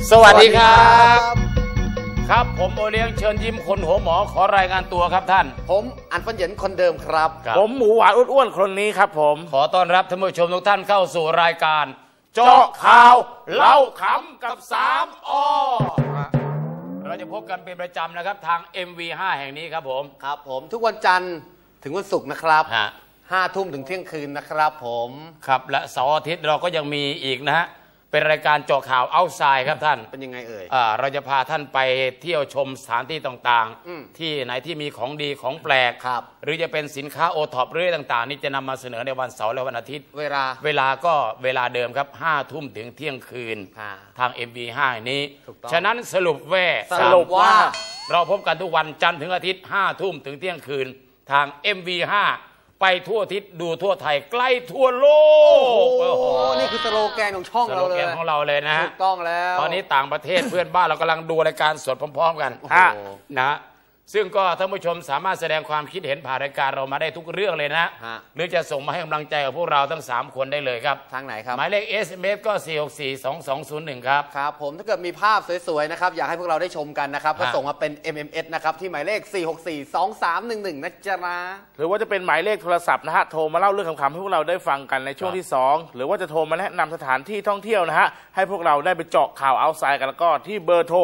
สวัสดีครับครับผมโอเลี้ยงเชิญยิ้มคนหัวหมอขอรายงานตัวครับท่านผมอันฟันเหยินคนเดิมครับผมหมูหวานอ้วนๆคนนี้ครับผมขอต้อนรับท่านผู้ชมทุกท่านเข้าสู่รายการเจาะข่าวเล่าขำกับ3 อเราจะพบกันเป็นประจำนะครับทาง MV5 แห่งนี้ครับผมครับผมทุกวันจันทร์ถึงวันศุกร์นะครับ5 ทุ่มถึงเที่ยงคืนนะครับผมครับและเสาร์อาทิตย์เราก็ยังมีอีกนะฮะเป็นรายการเจาะข่าวเอาท์ไซด์ครับท่านเป็นยังไงเอ่ยเราจะพาท่านไปเที่ยวชมสถานที่ต่างๆที่ไหนที่มีของดีของแปลกหรือจะเป็นสินค้าโอท็อปเรื่องต่างๆนี่จะนำมาเสนอในวันเสาร์และวันอาทิตย์เวลาก็เวลาเดิมครับ5 ทุ่มถึงเที่ยงคืนทาง MV5 นี้ฉะนั้นสรุปว่าเราพบกันทุกวันจันทร์ถึงอาทิตย์5 ทุ่มถึงเที่ยงคืนทาง MV5ไปทั่วทิศดูทั่วไทยใกล้ทั่วโลกโอ้โหนี่คือสโลแกนของช่องเราเลยสโลแกนของเราเลยนะถูกต้องแล้วตอนนี้ต่างประเทศเพื่อนบ้านเรากำลังดูรายการสดพร้อมๆกันนะซึ่งก็ท่านผู้ชมสามารถแสดงความคิดเห็นผ่านรายการเรามาได้ทุกเรื่องเลยนะหรือจะส่งมาให้กำลังใจกับพวกเราทั้ง3 คนได้เลยครับทางไหนครับหมายเลข SMS ก็ 4642201 ครับครับผมถ้าเกิดมีภาพสวยๆนะครับอยากให้พวกเราได้ชมกันนะครับก็ส่งมาเป็น MMS นะครับที่หมายเลข 4642311 นะจ๊ะหรือว่าจะเป็นหมายเลขโทรศัพท์นะฮะโทรมาเล่าเรื่องขำๆให้พวกเราได้ฟังกันในช่วงที่2หรือว่าจะโทรมาแนะนำสถานที่ท่องเที่ยวนะฮะให้พวกเราได้ไปเจาะข่าวเอาท์ไซด์กันแล้วก็ที่เบอร์โทร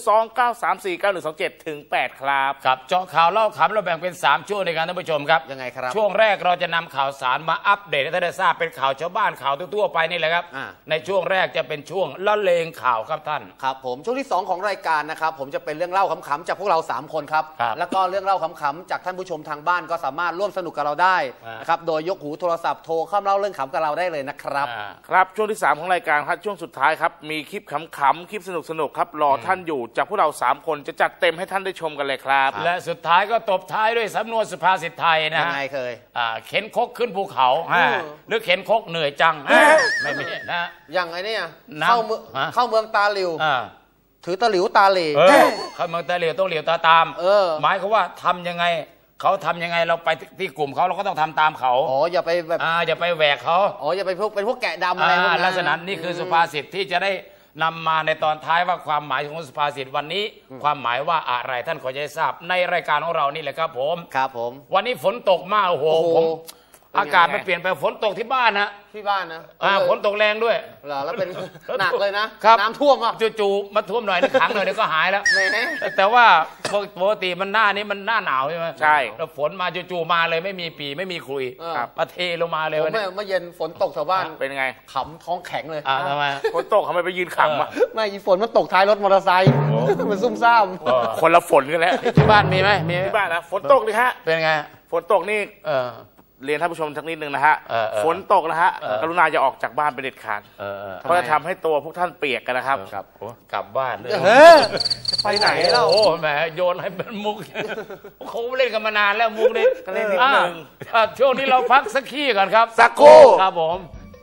029349127 ถึง 8 ครับครับเจาะข่าวเล่าขำเราแบ่งเป็น3 ช่วงในการท่านผู้ชมครับยังไงครับช่วงแรกเราจะนำข่าวสารมาอัปเดตให้ท่านได้ทราบเป็นข่าวชาวบ้านข่าวทั่วไปนี่แหละครับในช่วงแรกจะเป็นช่วงละเลงข่าวครับท่านครับผมช่วงที่2ของรายการนะครับผมจะเป็นเรื่องเล่าขำๆจากพวกเรา3 คนครับแล้วก็เรื่องเล่าขำๆจากท่านผู้ชมทางบ้านก็สามารถร่วมสนุกกับเราได้นะครับโดยยกหูโทรศัพท์โทรเข้ามาเล่าเรื่องขำกับเราได้เลยนะครับครับช่วงที่3ของรายการครับช่วงสุดท้ายครับมีคลิปขำๆคลิปสนุกๆครับรอท่านอยู่จากพวกเรา3 คนจะจัดเต็มให้ท่านได้ชมกันเลยครับและสุดท้ายก็ตบท้ายด้วยสำนวนสุภาษิตไทยนะยังไงเคยเข็นคกขึ้นภูเขาหรือเข็นคกเหนื่อยจังไม่มีนะอย่างไงเนี่ยเข้าเมืองตาหลิวถือตะหลิวตาเหล่เข้าเมืองตาเหลียวต้องเหลียวตาตามหมายเขาว่าทำยังไงเขาทำยังไงเราไปที่กลุ่มเขาเราก็ต้องทำตามเขาอย่าไปแบบอย่าไปแหวกเขาอย่าไปเป็นพวกแกะดำอะไรลักษณะนี้คือสุภาษิตที่จะได้นำมาในตอนท้ายว่าความหมายของสุภาษิตวันนี้ความหมายว่าอะไรท่านขอจะทราบในรายการของเรานี่แหละครับผมครับผมวันนี้ฝนตกมากโอ้โหผมอากาศมันเปลี่ยนไปฝนตกที่บ้านนะที่บ้านนะฝนตกแรงด้วยแล้วเป็นหนักเลยนะน้ำท่วมอ่ะจู่ๆมาท่วมหน่อยนึงขังหน่อยเดี๋ยวก็หายแล้วแต่ว่าปกติมันหน้านี้มันหน้าหนาวใช่ไหมใช่แล้วฝนมาจู่ๆมาเลยไม่มีปีไม่มีคุยมาเทลงมาเลยวันนี้เมื่อเย็นฝนตกชาวบ้านเป็นไงขำท้องแข็งเลยทำไมฝนตกทำไมไปยืนขำอ่ะไม่ฝนมันตกท้ายรถมอเตอร์ไซค์มันซุ่มซ่ามคนละฝนกันแล้วที่บ้านมีไหมมีที่บ้านนะฝนตกดิฮะเป็นไงฝนตกนี่เรียนท่านผู้ชมสักนิดนึงนะฮะฝนตกนะฮะกรุณาอย่าออกจากบ้านไปเด็ดขาดเพราะจะทำให้ตัวพวกท่านเปียกกันนะครับกลับบ้านเลยไปไหนแล้วโอ้แหมโยนให้เป็นมุกเขาเล่นกันมานานแล้วมุกนี้ก็เล่นนิดนึงช่วงนี้เราพักสักขี้ก่อนครับสักครู่ครับผม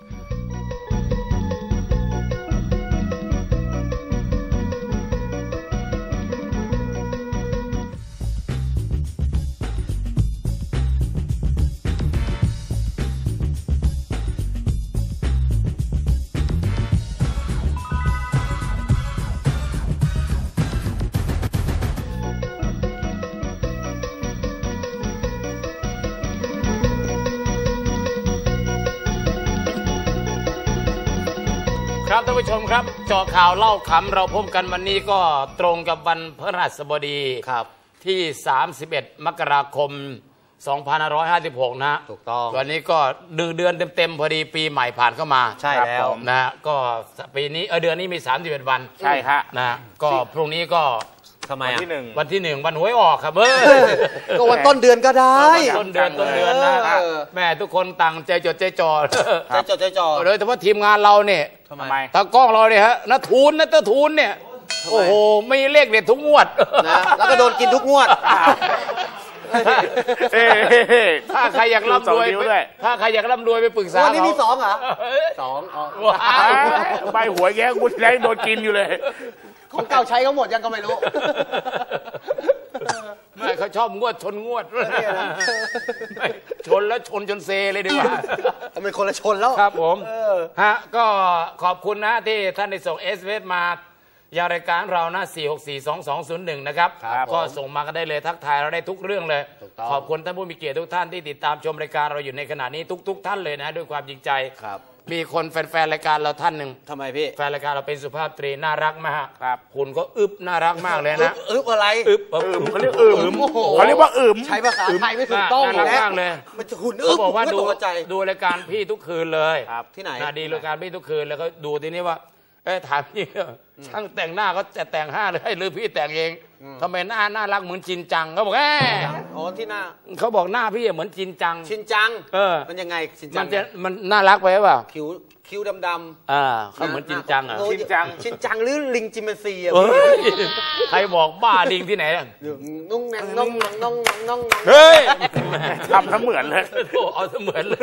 ครับท่านผู้ชมครับเจาะข่าวเล่าขำเราพบกันวันนี้ก็ตรงกับวันพฤหัสบดีครับที่31 มกราคม 2556นะถูกต้องวันนี้ก็1 เดือนเต็มๆพอดีปีใหม่ผ่านเข้ามาใช่แล้วนะก็ปีนี้เดือนนี้มี31 วันใช่ฮะนะก็พรุ่งนี้ก็ทำไมวันที่ 1วันหวยออกครับก็วันต้นเดือนก็ได้ต้นเดือนนะแม่ทุกคนต่างใจจดใจจ่อเลยแต่ว่าทีมงานเราเนี่ยทำไมตากล้องเราเนี่ยฮะนัททูลเนี่ยโอ้โหไม่เลขเด็ดทุกงวดนะแล้วก็โดนกินทุกงวดถ้าใครอยากร่ำรวยไปปรึกษาวันนี้มี2เหรอ 2ใบหวยแกกูได้โดนกินอยู่เลยของเก่าใช้เขาหมดยังก็ไม่รู้ไม่เขาชอบงวดชนงวดชนแล้วชนจนเซเลยดีกว่าเป็นคนละชนแล้วครับผมฮะก็ขอบคุณนะที่ท่านได้ส่งSMS มายารายการเรานะ4642201นะครับก็ส่งมากันได้เลยทักทายเราได้ทุกเรื่องเลยขอบคุณท่านผู้มีเกียรติทุกท่านที่ติดตามชมรายการเราอยู่ในขณะนี้ทุกท่านเลยนะด้วยความจริงใจมีคนแฟนๆรายการเราท่านหนึ่งทำไมพี่แฟนรายการเราเป็นสุภาพสตรีน่ารักมากคุณก็อึบน่ารักมากเลยนะอึบอะไรอึบเขาเรียกอึมเขาเรียกว่าอึมใช้ภาษาไทยไม่ถูกต้องน่ารักมากเลยมันจะหุ่นอึบบอกว่าดูรายการพี่ทุกคืนเลยที่ไหนดีรายการพี่ทุกคืนแล้วก็ดูทีนี้ว่าถามพี่ช่างแต่งหน้าเขาจะแต่งห้าเลยหรือพี่แต่งเองทำไมหน้าน่ารักเหมือนจินจังเขาบอกที่หน้าเขาบอกหน้าพี่เหมือนจินจังมันยังไงจินจังมันน่ารักไปเปล่าคิ้วดำเขาเหมือนจินจังอ่ะชินจังหรือลิงจิมเมนซีอ่ะใครบอกบ้าลิงที่ไหนนุ่งเฮ้ยทำเสมือนเลยเอาเสมือนเลย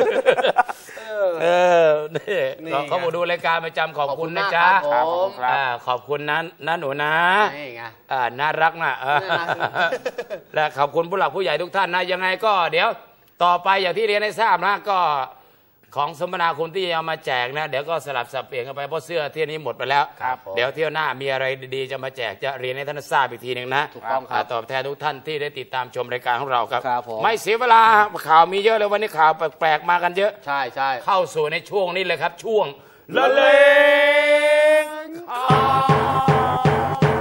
นี่เขาบอกดูรายการประจำขอบคุณนะจ๊ะขอบคุณนะหนูนะน่ารักนะและขอบคุณผู้หลักผู้ใหญ่ทุกท่านนะยังไงก็เดี๋ยวต่อไปอย่างที่เรียนให้ทราบนะก็ของสมนาคุณที่เอามาแจกนะเดี๋ยวก็สลับสับเปลี่ยนกันไปเพราะเสื้อที่นี้หมดไปแล้วเดี๋ยวเที่ยวหน้ามีอะไรดีๆจะมาแจกจะเรียนให้ท่านทราบอีกทีหนึ่งนะถูกต้องครับตอบแทนทุกท่านที่ได้ติดตามชมรายการของเราครับไม่เสียเวลาข่าวมีเยอะเลยวันนี้ข่าวแปลกๆมากันเยอะใช่เข้าสู่ในช่วงนี้เลยครับช่วงละเลงข่าว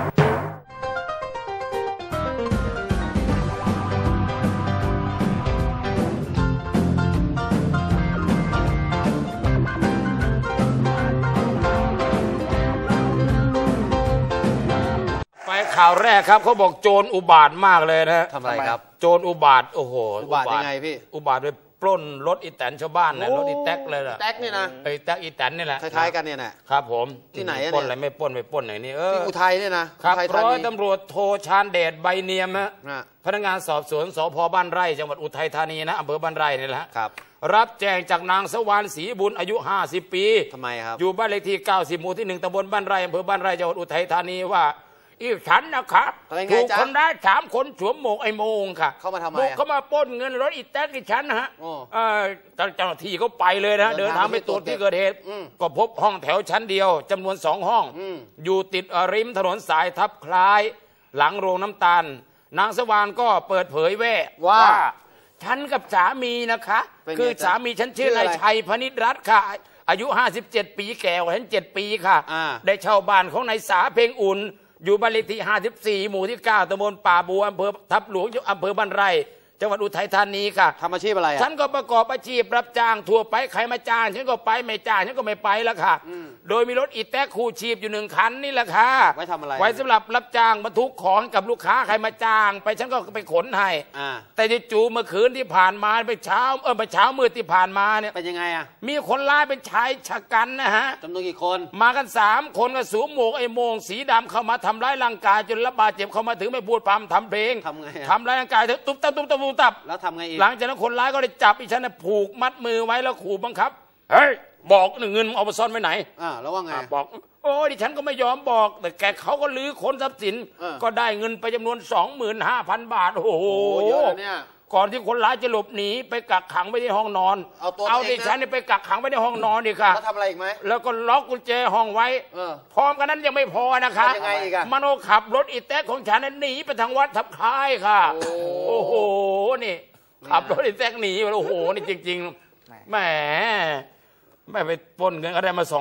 ข่าวแรกครับเขาบอกโจรอุบาทมากเลยนะทำไมครับโจรอุบาทโอ้โหอุบาทยังไงพี่อุบาทไปปล้นรถอีแตนชาวบ้านนะรถอีแท็กเลยนะแท็กนี่นะแท็กอีแตนนี่แหละคล้ายๆกันเนี่ยนะครับผมที่ไหนปล้นอะไรไม่ปล้นไปปล้นไหนนี่ที่อุทัยเนี่ยนะครับร้อยตำรวจโทชาญเดชใบเนียมฮะพนักงานสอบสวนสพบ้านไร่จังหวัดอุทัยธานีนะอำเภอบ้านไร่นี่แหละรับแจ้งจากนางสวรรค์ศรีบุญอายุ50 ปีทำไมครับอยู่บ้านเลขที่90หมู่ที่1ตำบลบ้านไร่อำเภอบ้านไร่จังหวัดอุทัยธานีว่าอีกฉันนะครับถูกคนร้าย3 คนสวมหมวกไอ้โมงค่ะเข้ามาทำไมเขามาปล้นเงินรถอีแท็กที่ฉันนะฮะเจ้าหน้าที่เขาไปเลยนะเดินทางไปตรวจที่เกิดเหตุก็พบห้องแถวชั้นเดียวจำนวน2 ห้องอยู่ติดริมถนนสายทับคล้ายหลังโรงน้ำตาลนางสว่างก็เปิดเผยว่าฉันกับสามีนะคะคือสามีฉันชื่อนายชัยพนิษฐ์รัตน์ค่ะอายุ57 ปีแก่กว่าฉัน7 ปีค่ะได้เช่าบ้านของนายสาเพ็งอุ่นอยู่บ้านเลขที่54หมู่ที่9ตำบลป่าบัวอำเภอทับหลวงอำเภอบ้านไร่จังหวัดอุทัยธานีค่ะทำอาชีพอะไรฉันก็ประกอบอาชีพรับจ้างทั่วไปใครมาจ้างฉันก็ไปไม่จ้างฉันก็ไม่ไปแล้วค่ะโดยมีรถอีแต๊กคู่ชีพอยู่1 คันนี่แหละค่ะไว้ทำอะไรไว้สำหรับรับจ้างบรรทุกของกับลูกค้าใครมาจ้างไปฉันก็ไปขนให้แต่จู่ๆเมื่อคืนที่ผ่านมาไปเช้ามืดที่ผ่านมาเนี่ยเป็นยังไงอ่ะมีคนร้ายเป็นชายชะกันนะฮะจำนวนกี่คนมากัน3 คนก็สวมหมวกไอ้โมงสีดำเข้ามาทำร้ายร่างกายจนรับบาดเจ็บเข้ามาถึงไม่พูดพร่ำทำเพลงทำไงทำร้ายร่างกายตุ๊บตับแล้วทำไงหลังจากนั้นคนร้ายก็ได้จับอีฉันผูกมัดมือไว้แล้วขู่บังคับเฮ้ยบอกเงินเอาไปซ่อนไว้ไหนแล้วว่าไงบอกโอ้ดิฉันก็ไม่ยอมบอกแต่แกเขาก็ลื้อค้นทรัพย์สินก็ได้เงินไปจำนวน 25,000 บาทโอ้โหเยอะเนี่ยก่อนที่คนร้ายจะหลบหนีไปกักขังไว้ในห้องนอนเอาดิฉันไปกักขังไว้ในห้องนอนดิค่ะแล้วทำอะไรอีกไหมแล้วก็ล็อกกุญแจห้องไว้พร้อมกันนั้นยังไม่พอนะคะยังไงอีกอะมโนขับรถอีแต๊กของฉันนั้นหนีไปทางวัดทับคล้ายค่ะโอ้โหนี่ขับรถอีแต๊กหนีโอ้โหนี่จริงๆแหมไม่ไปปล้นเงินก็ได้มา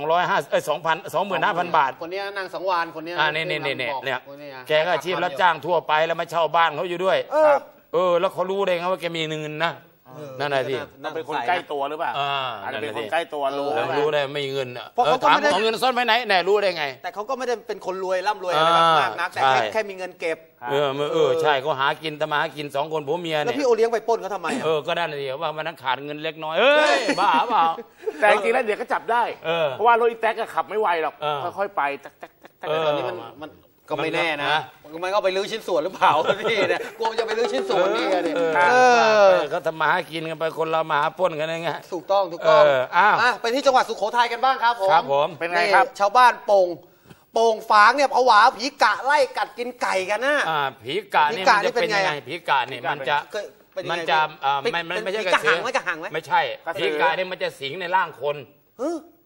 25,000 บาทคนนี้นางสังวานคนนี้เนี่ยแกก็อาชีพรับจ้างทั่วไปแล้วมาเช่าบ้านเขาอยู่ด้วยแล้วเขารู้ได้ไงว่าแกมีเงินนะนั่นแหละที่เป็นคนใกล้ตัวหรือเปล่าอาจจะเป็นคนใกล้ตัวรู้ได้ไม่เงินเพราะเขาถามเอาเงินซ่อนไว้ไหนแน่รู้ได้ไงแต่เขาก็ไม่ได้เป็นคนรวยร่ำรวยอะไรมากนักแต่แค่มีเงินเก็บใช่เขาหากินทำมาหากิน2 คนผัวเมียเนี่ยแล้วพี่โอเลี้ยงไปปล้นเขาทำไมก็ได้นะเดียวว่ามันนั้นขาดเงินเล็กน้อยบ้าเปล่าแต่จริงๆแล้วเดี๋ยวก็จับได้เพราะว่ารถอีแต๊กก็ขับไม่ไวหรอกค่อยๆไปแต่ตอนนี้มันก็ไม่แน่นะมันก็ไปลื้อชิ้นส่วนหรือเปล่าพี่เนี่ยกลัวจะไปลื้อชิ้นส่วนนี่เนี่ยเขาทำมาหากินกันไปคนเรามาหาปล้นกันไงถูกต้องไปที่จังหวัดสุโขทัยกันบ้างครับผมเป็นไงครับชาวบ้านโป่งฝางเนี่ยผวาผีกะไล่กัดกินไก่กันนะผีกะนี่มันจะเป็นยังไงผีกะนี่มันจะไม่ใช่กระสือไม่ใช่ผีกะนี่มันจะสิงในร่างคน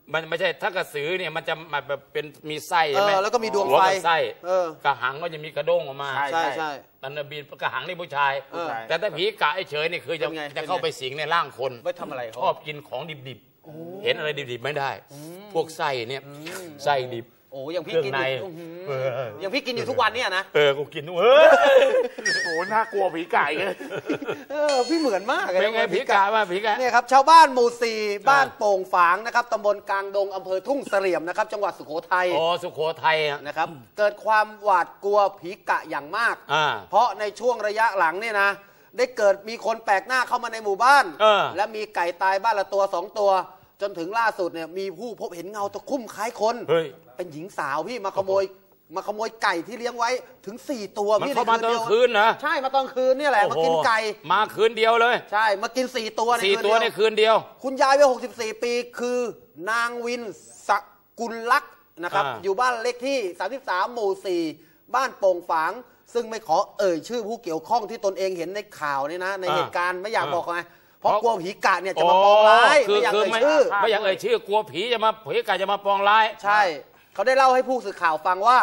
มันไม่ใช่ถ้ากระสือเนี่ยมันจะมาแบบเป็นมีไส้ใช่ไหมแล้วก็มีดวงหัไฟกับไส้กระหังก็จะมีกระด้งออกมาใช่ใช่ตันบีนกระหังนี่ผู้ชายใช่แต่ถ้าผีกะเฉยนี่คือจะเป็นไงจะเข้าไปสิงในร่างคนไว้ทำอะไรชเขาอบกินของดิบๆเห็นอะไรดิบๆไม่ได้ พวกไส้เนี่ยไส้ดิบโอ้อย่างเคพี่รื่องกินในอยู่อย่างพี่กินอยู่ทุกวันเนี่ยนะกูกินด้วยโอ้น่ากลัวผีไก่เลยพี่เหมือนมากเลยเป็นไงผีกะว่าผีกะเนี่ยครับชาวบ้านหมู่สี่บ้านโป่งฝางนะครับตำบลกลางดงอำเภอทุ่งเสลี่ยมนะครับจังหวัดสุโขทัยอ๋อสุโขทัยอะนะครับเกิดความหวาดกลัวผีกะอย่างมากอ่าเพราะในช่วงระยะหลังเนี่ยนะได้เกิดมีคนแปลกหน้าเข้ามาในหมู่บ้าน และมีไก่ตายบ้านละตัว2 ตัว จนถึงล่าสุดเนี่ยมีผู้พบเห็นเงาตะคุ่มคล้ายคนเฮ้ยเป็นหญิงสาวพี่มาขโมยไก่ที่เลี้ยงไว้ถึง4 ตัวมันพี่เข้ามาตอนกลางคืนนะใช่มาตอนคืนเนี่ยแหละมากินไก่มาคืนเดียวเลยใช่มากิน4 ตัวใน 4 คืนตัวเดียวในคืนเดียวคุณยายวัย64 ปีคือนางวินสกุลลักษณ์นะครับอยู่บ้านเลขที่ 33 หมู่ 4 บ้านโป่งฝาง ซึ่งไม่ขอเอ่ยชื่อผู้เกี่ยวข้องที่ตนเองเห็นในข่าวนี่นะในเหตุการณ์ไม่อยากบอกไงเพราะกลัวผีกะเนี่ยจะมาปองร้ายไม่อยากเอ่ยชื่อไม่อยากเอ่ยชื่อกลัวผีจะมาผีกะจะมาปองร้ายใช่เขาได้เล่าให้ผู้สื่อข่าวฟังว่าก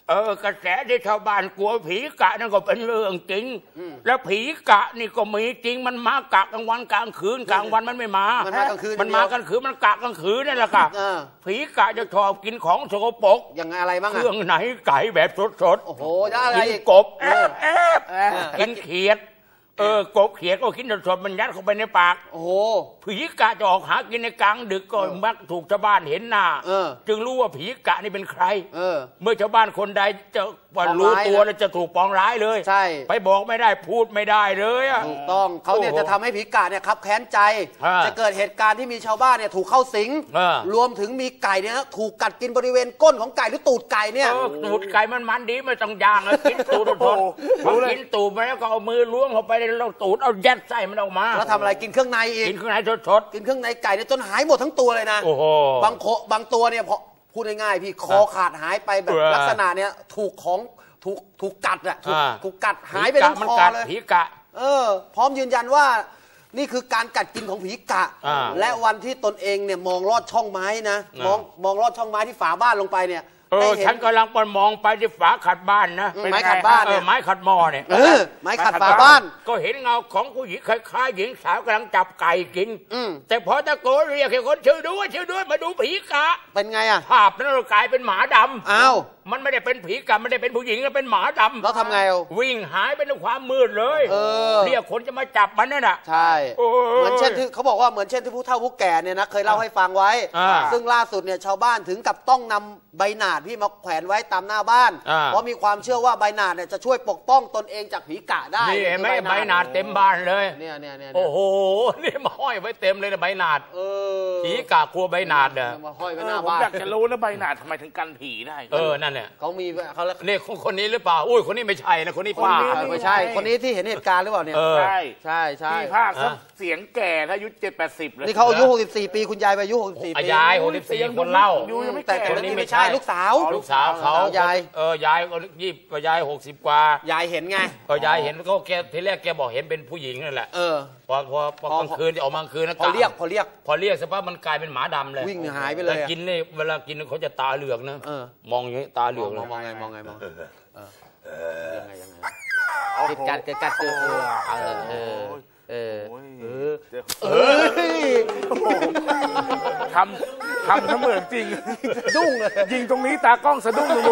ระแสที่ชาวบ้านกลัวผีกะนั่นก็เป็นเรื่องจริงแล้วผีกะนี่ก็มีจริงมันมากะกลางวันกลางคืนกลางวันมันไม่มามันมากลางคืนมันมากลางคืนมันกะกลางคืนนั่นแหละครับผีกะจะชอบกินของสกปรกยังไงอะไรบ้างเครื่องไหนไก่แบบสดๆโอ้โหได้อะไรกินอีกกบกินเขียดกบเขียดก็กินสดๆมันยัดเข้าไปในปากโอ้โหผีกะจะออกหากินในกลางดึกก็มักถูกชาวบ้านเห็นหน้าจึงรู้ว่าผีกะนี่เป็นใครเมื่อชาวบ้านคนใดจะรู้ตัวแล้วจะถูกปองร้ายเลยใช่ไปบอกไม่ได้พูดไม่ได้เลยอะถูกต้องเขาเนี่ยจะทำให้ผีกะเนี่ยครับแค้นใจจะเกิดเหตุการณ์ที่มีชาวบ้านเนี่ยถูกเข้าสิงรวมถึงมีไก่เนี่ยถูกกัดกินบริเวณก้นของไก่หรือตูดไก่เนี่ยตูดไก่มันดีไม่ต้องย่างกินตูดสดพอกินตูดไปแล้วก็เอามือล้วงเข้าไปในตูดเอายัดไส้มันออกมาแล้วทำอะไรกินเครื่องในอีกกินเครื่องในสดกินเครื่องในไก่เนี่ยจนหายหมดทั้งตัวเลยนะบางตัวเนี่ยพอพูดง่ายๆพี่คอขาดหายไปแบบลักษณะเนี่ยถูกกัดอะถูกกัดหายไปทั้งคอเลยผีกะพร้อมยืนยันว่านี่คือการกัดกินของผีกะและวันที่ตนเองเนี่ยมองลอดช่องไม้นะมองลอดช่องไม้ที่ฝาบ้านลงไปเนี่ยฉันกำลังมองไปที่ฝาขัดบ้านนะไม้ขัดบ้านไม้ขัดหม้อเนี่ยไม้ขัดฝาบ้านก็เห็นเงาของผู้หญิงคล้ายๆหญิงสาวกำลังจับไก่กินแต่พอตะโกนเรียกให้คนช่วยด้วยมาดูผีกะเป็นไงอะภาพนั้นกลายเป็นหมาดำอ้าวมันไม่ได้เป็นผีกะไม่ได้เป็นผู้หญิงแล้วเป็นหมาดำแล้วทำไงวิ่งหายไปในความมืดเลยเรียกคนจะมาจับมันนั่นน่ะใช่เหมือนเช่นที่เขาบอกว่าเหมือนเช่นที่ผู้เฒ่าผู้แก่เนี่ยนะเคยเล่าให้ฟังไว้ซึ่งล่าสุดเนี่ยชาวบ้านถึงกับต้องนำใบหนาดพี่มาแขวนไว้ตามหน้าบ้านเพราะมีความเชื่อว่าใบหนาดเนี่ยจะช่วยปกป้องตนเองจากผีกะได้นี่ไม่ใบหนาดเต็มบ้านเลยเนี่ยโอ้โหนี่มาห้อยไว้เต็มเลยนะใบหนาดผีกะกลัวใบหนาดเนี่ยมาห้อยไว้หน้าบ้านผมอยากจะรู้นะใบหนาดทำไมถึงกันผีได้นั่นเนี่ยเขามีเขาเนี่ยคนนี้หรือเปล่าอุ้ยคนนี้ไม่ใช่นะคนนี้ป้าไม่ใช่คนนี้ที่เห็นเหตุการณ์หรือเปล่าเนี่ยใช่พี่ภาคเสียงแก่ถ้าอายุ70-80เลยนี่เขาอายุ64ปีคุณยายอายุ64ปียาย64คนเล่าแต่คนนี้ไม่ใช่ลูกสาวเขายายยายก็ยาย60กว่ายายเห็นไงยายเห็นก็แกทีแรกแกบอกเห็นเป็นผู้หญิงนั่นแหละพอกลางคืนจะออกมากลางคืนนะพอเรียกสักพักมันกลายเป็นหมาดำเลยวิ่งหายไปเลยกินเนี่ยเวลากินเขาจะตาเหลือกนะมองอย่างนี้ตาเหลือกเลยมองไงยังไงติดกัดทำเสมือนจริงสะดุ้งเลยยิงตรงนี้ตากล้องสะดุ้งดู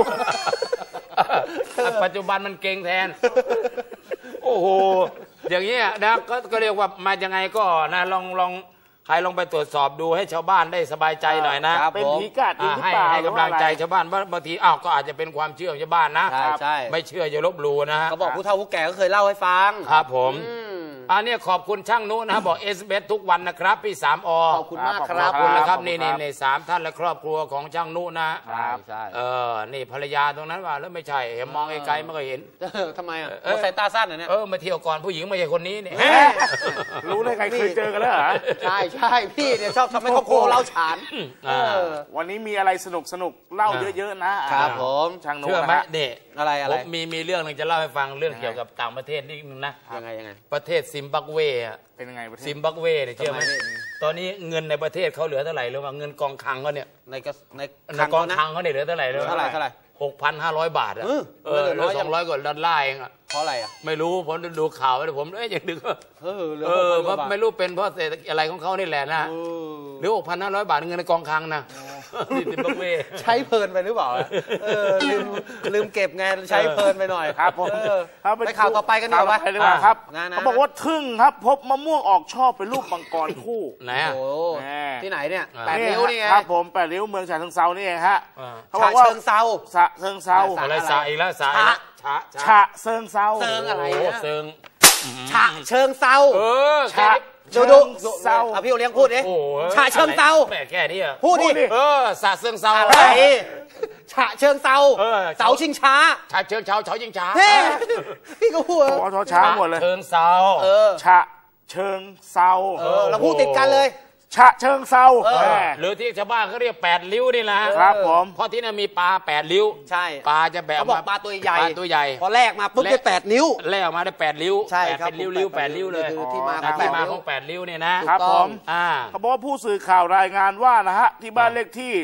ปัจจุบันมันเก่งแทนโอ้โหอย่างเงี้ยนะก็เรียกว่ามายังไงก็นะลองใครลองไปตรวจสอบดูให้ชาวบ้านได้สบายใจหน่อยนะเป็นผีกะจริงหรือเปล่าให้กำลังใจชาวบ้านบางทีก็อาจจะเป็นความเชื่อของชาวบ้านนะใช่ไม่เชื่ออย่าลบหลู่นะเขาบอกผู้เฒ่าผู้แก่ก็เคยเล่าให้ฟังครับผมนี้ขอบคุณช่างนุนะบอกSBS ทุกวันนะครับพี่3 อขอบคุณมากครับขอบคุณนะครับนี่3 ท่านและครอบครัวของช่างนุนะใช่นี่ภรรยาตรงนั้นว่าแล้วไม่ใช่เห็นมองไกลๆไม่เคยเห็นทำไมสายตาสั้นเนี่ยมาเที่ยวก่อนผู้หญิงไม่ใช่คนนี้เนี่ยรู้ได้ใครเคยเจอกันแล้วเหรอใช่พี่เนี่ยชอบทำให้ครอบครัวเราฉานวันนี้มีอะไรสนุกเล่าเยอะๆนะครับผมช่างนุเชื่อไหมเนี่ยอะไรมีเรื่องนึงจะเล่าให้ฟังเรื่องเกี่ยวกับต่างประเทศนิดนึงนะยังไงประเทศซิมบับเวเป็นยังไงซิมบับเวเนี่ยเชื่อไหมตอนนี้เงินในประเทศเขาเหลือเท่าไหร่หรือว่าเงินกองคลังเขาเนี่ยในกองคลังเขาเนี่ยเหลือเท่าไหร่เลยเท่าไหร่6,500 บาทอะแล้ว200 กว่าดอลลาร์เองอะเพราะอะไรอะไม่รู้ผมดูข่าวไปผมยังนึกว่าไม่รู้เป็นเพราะเศรษฐกิจอะไรของเขานี่แหละนะหรือ 6,500 บาทเงินในกองคลังนะนี่ติบักเวใช้เพลินไปหรือเปล่าลืมเก็บไงใช้เพลินไปหน่อยครับผมไปข่าวต่อไปกันดีกว่าครับเขาบอกว่าทึ่งครับพบมะม่วงออกช่อเป็นรูปมังกรคู่ไหนที่ไหนเนี่ย8 นิ้วนี่ไงครับผม8 นิ้วเมืองฉะเชิงเทรานี่เองฮะเขาบอกว่าเชิงเทราอะไรสาอีกแล้วสาฉะเชิงเทราเชิงอะไรเชิงฉะเชิงเทราฉะดูเทราพี่โอเลี้ยงพูดดิฉะเชิงเทราแม่แค่นี้พูดดิสะเชิงเทราอะไรฉะเชิงเทราเสาชิงช้าฉะเชิงเทราเสาชิงช้าพี่ก็พูดช้าหมดเลยเชิงเทราฉะเชิงเทราเราพูดติดกันเลยฉะเชิงเทราหรือที่ชาวบ้านเขาเรียก8 ริ้วนี่แหละครับผมเพราะที่นั่นมีปลา8 ริ้วใช่ปลาจะแบบเขาบอกปลาตัวใหญ่พอแรกมาปุ๊บได้8 นิ้วแรกมาได้8 ริ้วใช่ครับเป็นริ้ว8 ริ้วเลยที่มาของ8 ริ้วเนี่ยนะครับผมเขาบอกว่าผู้สื่อข่าวรายงานว่านะฮะที่บ้านเลขที่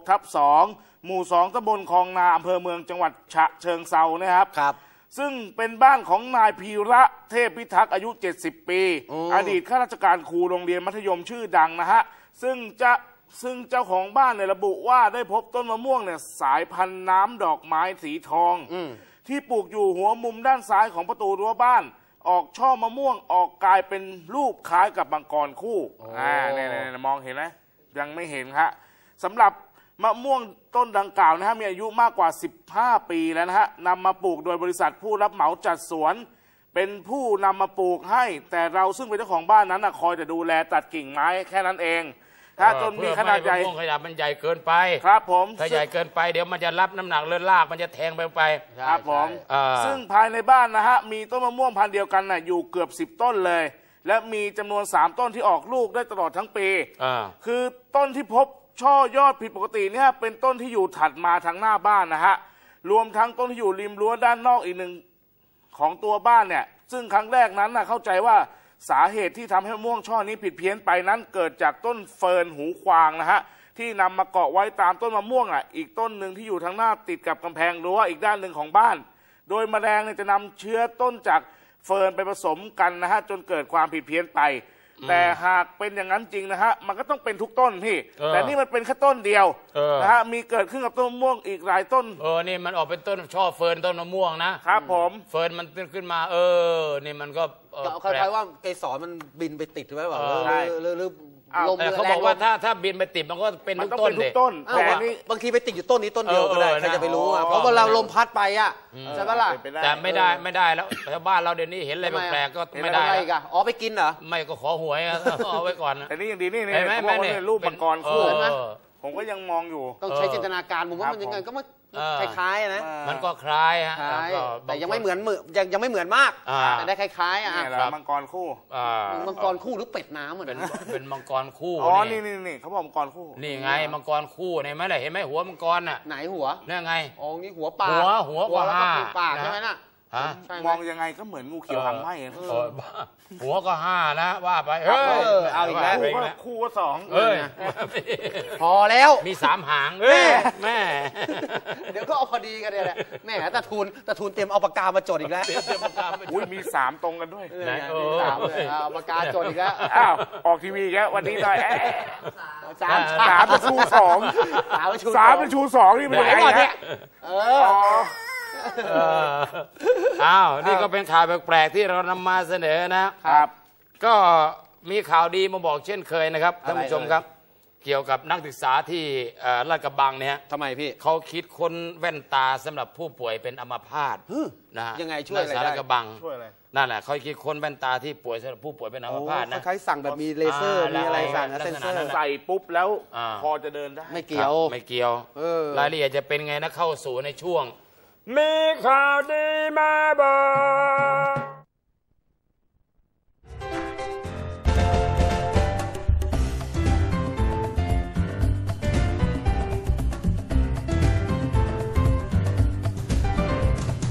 16/2หมู่2ตำบลคลองนาอำเภอเมืองจังหวัดฉะเชิงเทรานะครับซึ่งเป็นบ้านของนายพีระเทพพิทักษ์อายุ70 ปีอดีตข้าราชการครูโรงเรียนมัธยมชื่อดังนะฮะซึ่งเจ้าของบ้านเนี่ยระบุว่าได้พบต้นมะม่วงเนี่ยสายพันธุ์น้ำดอกไม้สีทองที่ปลูกอยู่หัวมุมด้านซ้ายของประตูรั้วบ้านออกช่อมะม่วงออกกลายเป็นรูปคล้ายกับมังกรคู่เนี่ยมองเห็นไหมยังไม่เห็นฮะสำหรับมะม่วงต้นดังกล่าวนะฮะมีอายุมากกว่า15 ปีแล้วนะฮะนำมาปลูกโดยบริษัทผู้รับเหมาจัดสวนเป็นผู้นำมาปลูกให้แต่เราซึ่งเป็นเจ้าของบ้านนั้นคอยแต่ดูแลตัดกิ่งไม้แค่นั้นเองถ้าจนมีขนาดใหญ่ขนาดมันใหญ่เกินไปครับผมถ้าใหญ่เกินไปเดี๋ยวมันจะรับน้ำหนักเลื่อนลากมันจะแทงไปครับผมซึ่งภายในบ้านนะฮะมีต้นมะม่วงพันธุ์เดียวกันน่ะอยู่เกือบ10 ต้นเลยและมีจำนวน3 ต้นที่ออกลูกได้ตลอดทั้งปีคือต้นที่พบช่อยอดผิดปกติเนี่ยเป็นต้นที่อยู่ถัดมาทางหน้าบ้านนะฮะรวมทั้งต้นที่อยู่ริมรั้วด้านนอกอีกหนึ่งของตัวบ้านเนี่ยซึ่งครั้งแรกนั้นเข้าใจว่าสาเหตุที่ทำให้มะม่วงช่อนี้ผิดเพี้ยนไปนั้นเกิดจากต้นเฟิร์นหูควางนะฮะที่นำมาเกาะไว้ตามต้นมะม่วงอีกต้นหนึ่งที่อยู่ทางหน้าติดกับกำแพงรั้วอีกด้านหนึ่งของบ้านโดยแมลงจะนำเชื้อต้นจากเฟิร์นไปผสมกันนะฮะจนเกิดความผิดเพี้ยนไปแต่หากเป็นอย่างนั้นจริงนะฮะมันก็ต้องเป็นทุกต้นพี่แต่นี่มันเป็นแค่ต้นเดียวนะฮะมีเกิดขึ้นกับต้นมะม่วงอีกหลายต้นนี่มันออกเป็นต้นช่อเฟิร์นต้นมะม่วงนะครับผมเฟิร์นมันขึ้นมานี่มันก็คล้ายๆว่าเกสรมันบินไปติดไว้แบบหรือแต่เขาบอกว่าถ้าบินไปติดมันก็เป็นทุกต้นเลยแต่นี่บางทีไปติดอยู่ต้นนี้ต้นเดียวก็ได้ใครจะไปรู้เพราะว่าเราลมพัดไปใช่ปะล่ะแต่ไม่ได้แล้วชาวบ้านเราเดี๋ยวนี้เห็นอะไรแปลกก็ไม่ได้ไปกินเหรอไม่ก็ขอหวยเอาไว้ก่อนแต่นี่ยังดีนี่เขาบอกว่ารูปมังกรคู่ผมก็ยังมองอยู่ต้องใช้จินตนาการผมว่ามันยังไงก็ไม่คล้ายๆนะมันก็คล้ายฮะแต่ยังไม่เหมือนยังไม่เหมือนมากแต่ได้คล้ายๆมังกรคู่มังกรคู่หรือเป็ดน้ำเหมือนเป็นมังกรคู่นี่เขาบอกมังกรคู่นี่ไงมังกรคู่เนี่ยไหมล่ะเห็นไหมหัวมังกรไหนหัวนี่ไงนี่หัวปลาหัวกว่าปากใช่ไหมน่ะมองยังไงก็เหมือนงูเขียวหางไหมหัวก็5นะว่าไปเอาอีกแล้วคู่ก็2 พอแล้วมี3 หางแม่เดี๋ยวก็เอาพอดีกันเลยแหละแม่ตะทูนเตรียมเอาปากกามาจดอีกแล้วมี3ตรงกันด้วยเอาปากกาจดอีกแล้วออกทีวีแล้ววันนี้ได้3เป็นชู2เป็นชู2นี่เป็นไงเนี่ยนี่ก็เป็นข่าวแปลกๆที่เรานำมาเสนอนะครับก็มีข่าวดีมาบอกเช่นเคยนะครับท่านผู้ชมครับเกี่ยวกับนักศึกษาที่ลาดกระบังเนี่ยทำไมพี่เขาคิดค้นแว่นตาสำหรับผู้ป่วยเป็นอัมพาตนะยังไงช่วยอะไรได้ลาดกระบังนั่นแหละเขาคิดค้นแว่นตาที่ป่วยสำหรับผู้ป่วยเป็นอัมพาตนะคล้ายสั่งแบบมีเลเซอร์มีอะไรสั่งเซนเซอร์ใส่ปุ๊บแล้วพอจะเดินได้ไม่เกี่ยวรายละเอียดจะเป็นไงนะเข้าสู่ในช่วงมีข่าวดีมาบอก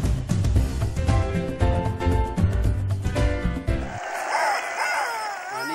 เป็น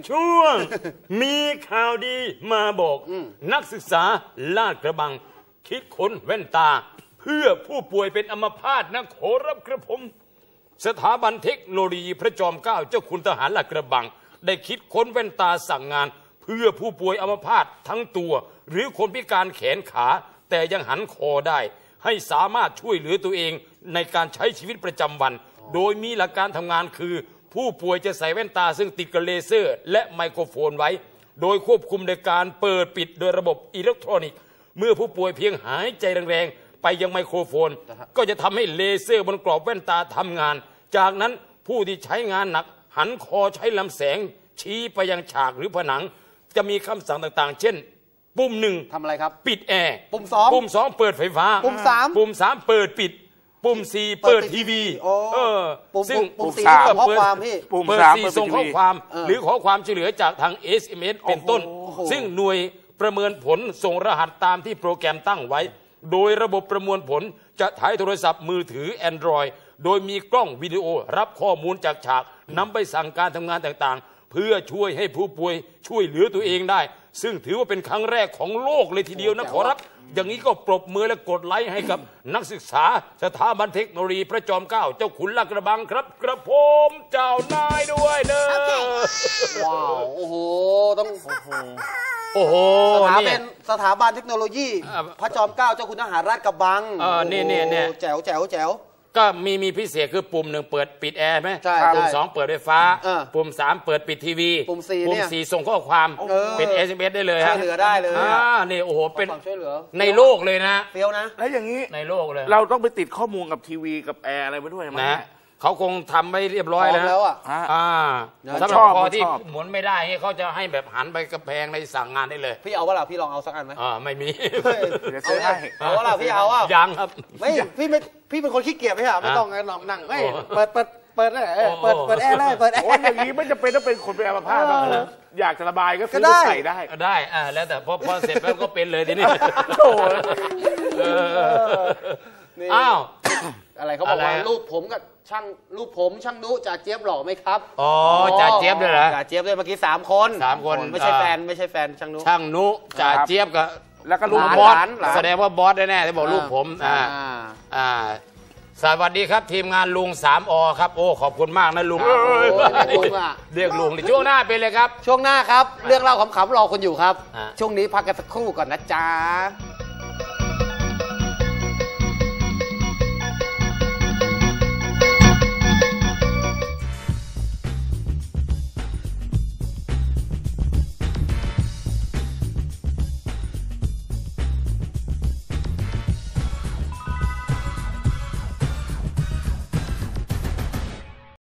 ช่วง มีข่าวดีมาบอกนักศึกษาลาดกระบังคิดค้นแว่นตาเพื่อผู้ป่วยเป็นอัมพาตนะขอรับกระผมสถาบันเทคโนโลยีพระจอมเกล้าเจ้าคุณทหารลาดกระบังได้คิดค้นแว่นตาสั่งงานเพื่อผู้ป่วยอัมพาตทั้งตัวหรือคนพิการแขนขาแต่ยังหันคอได้ให้สามารถช่วยเหลือตัวเองในการใช้ชีวิตประจำวันโดยมีหลักการทำงานคือผู้ป่วยจะใส่แว่นตาซึ่งติดกับเลเซอร์และไมโครโฟนไว้โดยควบคุมในการเปิดปิดโดยระบบอิเล็กทรอนิกส์เมื่อผู้ป่วยเพียงหายใจแรงๆไปยังไมโครโฟนก็จะทำให้เลเซอร์บนกรอบแว่นตาทำงานจากนั้นผู้ที่ใช้งานหนักหันคอใช้ลำแสงชี้ไปยังฉากหรือผนังจะมีคำสั่งต่างๆเช่นปุ่ม1 ทำอะไรครับปิดแอร์ปุ่ม2 เปิดไฟฟ้าปุ่ม3เปิดปิดปุ่ม4เปิดทีวีซึ่งปุ่ม 4ส่งข้อความพี่ปุ่ม4ส่งข้อความหรือขอความช่วยเหลือจากทาง SMS เป็นต้นซึ่งหน่วยประเมินผลส่งรหัสตามที่โปรแกรมตั้งไว้โดยระบบประมวลผลจะถ่ายโทรศัพท์มือถือ Android โดยมีกล้องวิดีโอรับข้อมูลจากฉากนำไปสั่งการทำงานต่างๆเพื่อช่วยให้ผู้ป่วยช่วยเหลือตัวเองได้ซึ่งถือว่าเป็นครั้งแรกของโลกเลยทีเดียวนะขอรับอย่างนี้ก็ปรบมือและกดไลค์ให้กับนักศึกษาสถาบันเทคโนโลยีพระจอมเกล้าเจ้าขุนลาดกระบังครับกระผมเจ้านายด้วยเด้อว้าวโอ้โหต้องโอ้โหเป็นสถาบันเทคโนโลยีพระจอมเกล้าเจ้าคุณทหารลาดกระบังนี่แจ๋วก็มีพิเศษคือปุ่ม1เปิดปิดแอร์ไหมปุ่ม2เปิดไฟฟ้าปุ่ม3เปิดปิดทีวีปุ่ม 4ส่งข้อความเป็น SMS ได้เลยช่วยเหลือได้เลยนี่โอ้โหเป็นช่วยเหลือในโลกเลยนะเฟี้ยวนะแล้วอย่างนี้ในโลกเลยเราต้องไปติดข้อมูลกับทีวีกับแอร์อะไรไว้ด้วยมั้ยนะเขาคงทำไว้เรียบร้อยแล้วสำหรับพอที่หมุนไม่ได้เขาจะให้แบบหันไปกระแพงในสั่งงานได้เลยพี่เอาว่าล่ะพี่ลองเอาสักอันไหมไม่มีเอาว่าล่ะพี่เอาว่ายังครับไม่พี่เป็นคนขี้เกียจไม่ใช่ไม่ต้องนั่งเปิดแอร์เลยเปิดแอร์อย่างนี้ไม่จำเป็นต้องเป็นคนเป็นอัมพาตอยากจะระบายก็ซื้อใส่ได้แล้วแต่พอเสร็จแล้วก็เป็นเลยทีนี้อ้าวอะไรเขาบอกว่ารูปผมกับรูปผมช่างนุจ่าเจี๊ยบหล่อไหมครับจ่าเจี๊ยบด้วยเหรอจ่าเจี๊ยบด้วยเมื่อกี้3 คนไม่ใช่แฟนช่างนุจ่าเจี๊ยบกับแล้วก็ลูกบอสแสดงว่าบอสแน่ๆที่บอกลูกผมสวัสดีครับทีมงานลุง3 อครับโอ้ขอบคุณมากนะลุงเรียกลุงช่วงหน้าเป็นเลยครับช่วงหน้าครับเรื่องเล่าขำๆรอคนอยู่ครับช่วงนี้พักกันสักครู่ก่อนนะจ๊ะ